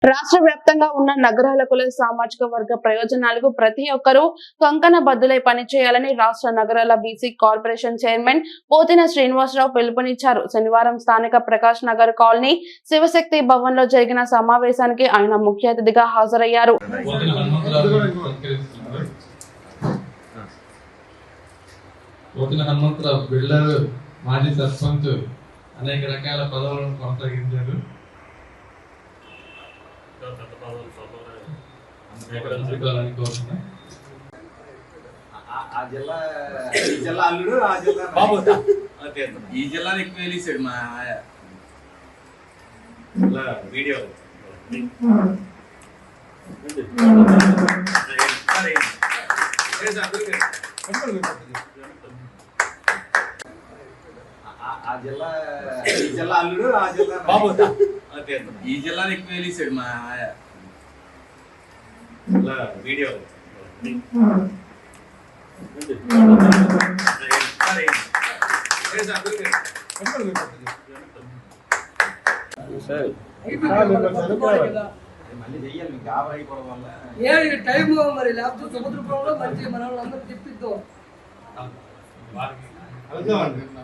రాష్ట్ర వ్యాప్తంగా ఉన్న నగరాల కుల సామాజిక వర్గ ప్రయోజనాలకు ప్రతి ఒక్కరూ కంకణ బద్దులై పనిచేయాలని రాష్ట్ర నగరాల BC corporation chairman Pothina Srinivasarao పిలుపునిచ్చారు. శనివారం స్థానిక ప్రకాష్ నగర్ కాలనీ శివశక్తి భవన్ లో జరిగిన సమావేశానికి ఆయన ముఖ్య అతిథిగా హాజరయ్యారు. మాజీ సర్పంచ్ అనేక రకాల పదవులను కొనసాగించారు. ఈ జిల్లా ఎక్కువ వెళ్ళేసాడు మా వీడియో ఈ జిల్లా ఎక్కువ వెళ్ళేసాడు మా వీడియో మళ్ళీ చెయ్యాలి మీకు ఆవర్ అయిపోవడం వల్ల టైం మరి లేకపోతే సముద్రంలో మంచి మన వాళ్ళందరూ తెప్పిద్దాం.